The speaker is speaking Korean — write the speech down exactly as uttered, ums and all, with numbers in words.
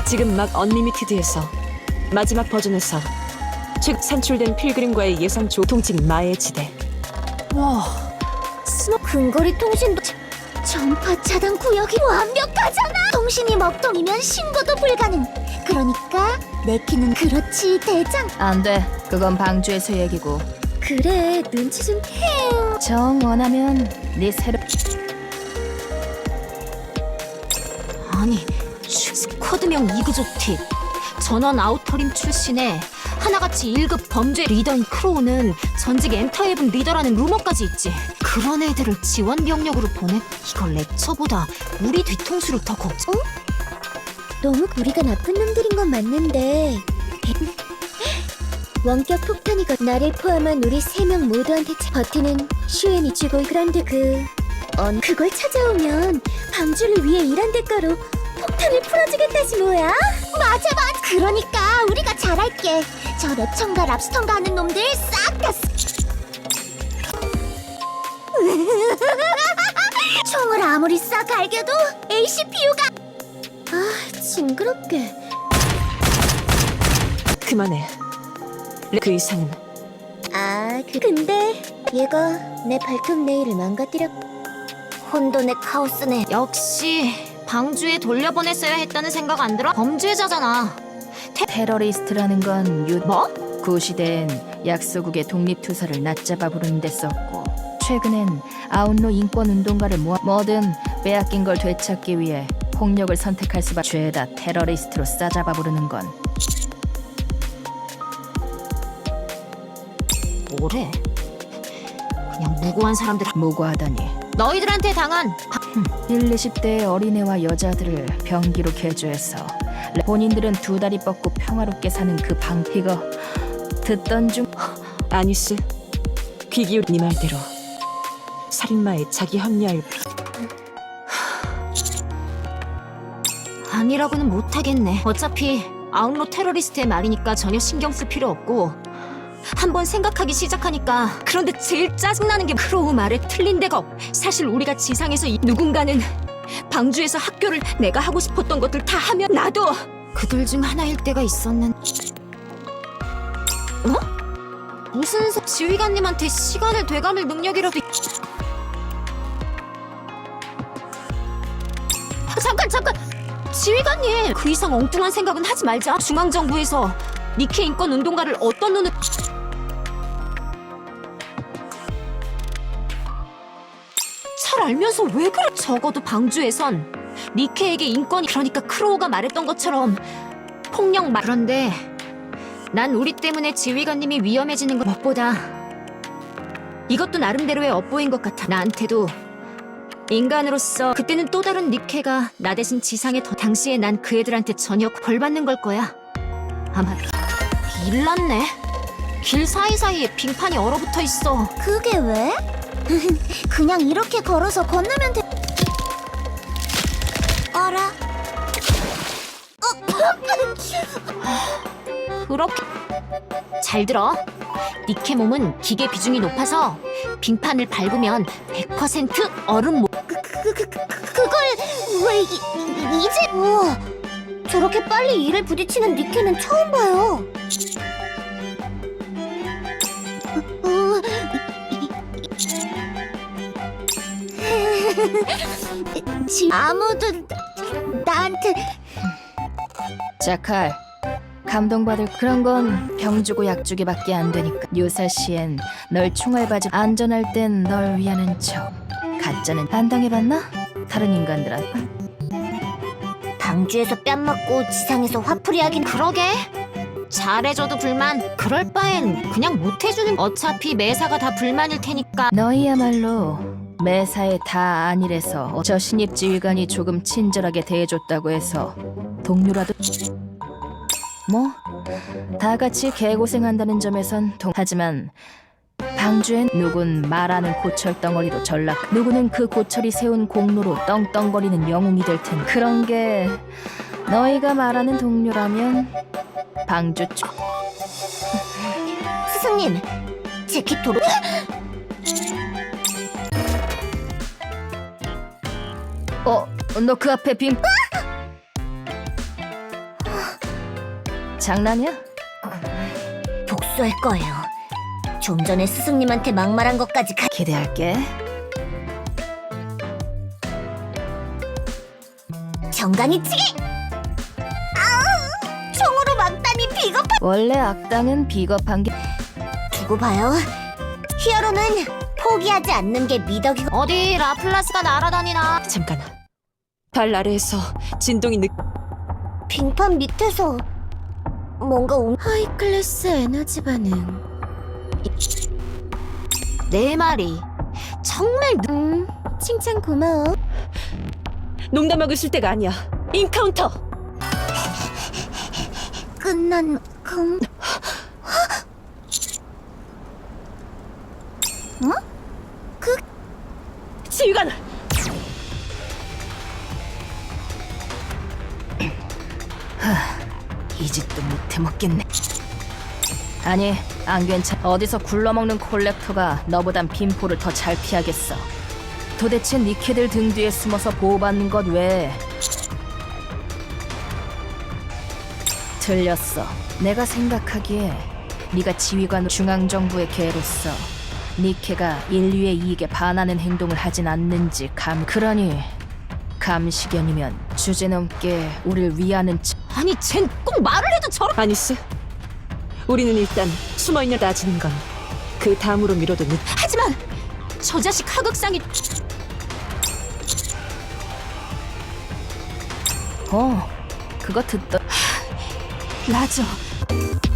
지금 막 언리미티드에서 마지막 버전에서 즉 산출된 필그림과의 예상 조통칭 마의 지대. 와, 스노 근거리 통신도 자- 전파 차단 구역이 완벽하잖아. 통신이 먹통이면 신고도 불가능. 그러니까 내 키는 그렇지 대장. 안 돼. 그건 방주에서 얘기고. 그래 눈치 좀 해요. 정 원하면 네 새로 아니, 슈- 스쿼드명 이그조 팁. 전원 아우터림 출신의 하나같이 일 급 범죄 리더인 크로우는 전직 엔터헤븐 리더라는 루머까지 있지. 그런 애들을 지원 병력으로 보내? 이걸 렉처보다 우리 뒤통수를 더 걱정. 너무 우리가 나쁜 놈들인 건 맞는데 원격 폭탄이가 나를 포함한 우리 세 명 모두한테 차- 버티는 슈엔이 주고 그런데 그... 언 그걸 찾아오면 방주를 위해 일한 대가로 폭탄을 풀어주겠다지 뭐야? 맞아 맞아. 그러니까 우리가 잘할게. 저 랩청과 랍스턴가 하는 놈들 싹 다 총을 아무리 싹 갈겨도 에이씨피유가 아 징그럽게. 그만해. 그 이상은. 아, 그, 근데 얘가 내 발톱 네일을 망가뜨렸. 혼돈의 카오스네. 역시 방주에 돌려보냈어야 했다는 생각 안 들어? 범죄자잖아. 테러리스트라는 건 유... 뭐? 구시대엔 약소국의 독립투사를 낮잡아 부르는 데 썼고 최근엔 아웃로 인권운동가를 모아 뭐든 빼앗긴 걸 되찾기 위해 폭력을 선택할 수밖에. 죄다 테러리스트로 싸잡아 부르는 건 뭐래? 그냥 무고한 사람들. 무고하다니. 너희들한테 당한 일, 이십 대의 어린애와 여자들을 병기로 개조해서 본인들은 두 다리 뻗고 평화롭게 사는 그 방... 이거 듣던 중... 아니스. 귀 기울 네 말대로 살인마에 자기 합리화를. 아니라고는 못하겠네. 어차피 아웃로 테러리스트의 말이니까 전혀 신경 쓸 필요 없고 한번 생각하기 시작하니까. 그런데 제일 짜증나는 게 크로우 말에 틀린 데가 없. 사실 우리가 지상에서 이 누군가는 방주에서 학교를 내가 하고 싶었던 것들 다 하면 나도 그들 중 하나일 때가 있었는. 어? 무슨 소... 지휘관님한테 시간을 되감을 능력이라도 있... 아, 잠깐 잠깐! 지휘관님! 그 이상 엉뚱한 생각은 하지 말자. 중앙정부에서 니케 인권 운동가를 어떤 눈으로... 잘 알면서 왜 그래? 적어도 방주에선 니케에게 인권이... 그러니까 크로우가 말했던 것처럼 폭력 말... 그런데 난 우리 때문에 지휘관님이 위험해지는 것 무엇보다 이것도 나름대로의 업보인 것 같아. 나한테도 인간으로서 그때는 또 다른 니케가 나 대신 지상에 더... 당시에 난 그 애들한테 전혀 벌 받는 걸 거야. 아마... 일났네. 길 사이사이에 빙판이 얼어붙어 있어. 그게 왜? 그냥 이렇게 걸어서 건너면 돼. 어라? 그렇게... 잘 들어. 니케 몸은 기계 비중이 높아서 빙판을 밟으면 백 퍼센트 얼음 못... 그, 그, 그, 그, 그걸 왜 이, 이- 이제... 우와, 저렇게 빨리 이를 부딪히는 니케는 처음 봐요. 어, 지- 아무도 나한테... 자칼, 감동받을 그런 건 병 주고 약 주기밖에 안 되니까. 유사시엔 널 총알바지 안전할 땐 널 위하는 척. 가짜는 안 당해봤나? 다른 인간들한테. 방주에서 뺨 맞고 지상에서 화풀이 하긴... 그러게. 잘해줘도 불만. 그럴 바엔 그냥 못해주는... 어차피 매사가 다 불만일 테니까. 너희야말로 매사에 다 아니래서 저 신입 지휘관이 조금 친절하게 대해줬다고 해서 동료라도... 뭐 다 같이 개고생한다는 점에선 동... 하지만 방주엔 누군 말하는 고철 덩어리로 전락, 누구는 그 고철이 세운 공로로 떵떵거리는 영웅이 될 텐. 그런 게 너희가 말하는 동료라면 방주 쪽... 스승님, 제 기토로... 어? 너 그 앞에 빔... 장난이야? 복수할 거예요. 좀 전에 스승님한테 막말한 것까지 가... 기대할게. 정강이치기! 아우! 총으로 막다니 비겁한... 원래 악당은 비겁한 게 두고 봐요. 히어로는 포기하지 않는 게 미덕이고... 어디 라플라스가 날아다니나. 잠깐. 발 아래에서 진동이 느... 빙판 밑에서 뭔가 움... 하이클래스 에너지 반응. 내 말이 정말 누... 음, 칭찬 고마워. 농담하고 있을 때가 아니야. 인카운터! 끝난 금... 어? 그... 지휘관! 이 짓도 못해 먹겠네. 아니, 안 괜찮. 어디서 굴러먹는 콜렉터가 너보단 빈포를 더 잘 피하겠어. 도대체 니케들 등 뒤에 숨어서 보호받는 것 외에. 틀렸어. 내가 생각하기에 네가 지휘관 중앙정부의 개로서 니케가 인류의 이익에 반하는 행동을 하진 않는지 감... 그러니 감시견이면 주제넘게 우릴 위하는 척... 아니 쟨 꼭 말을 해도 저런. 아니스. 우리는 일단 숨어있는 따지는 건 그 다음으로 미뤄도 늦... 하지만 저 자식 하극상이. 어, 그거 듣더... 라저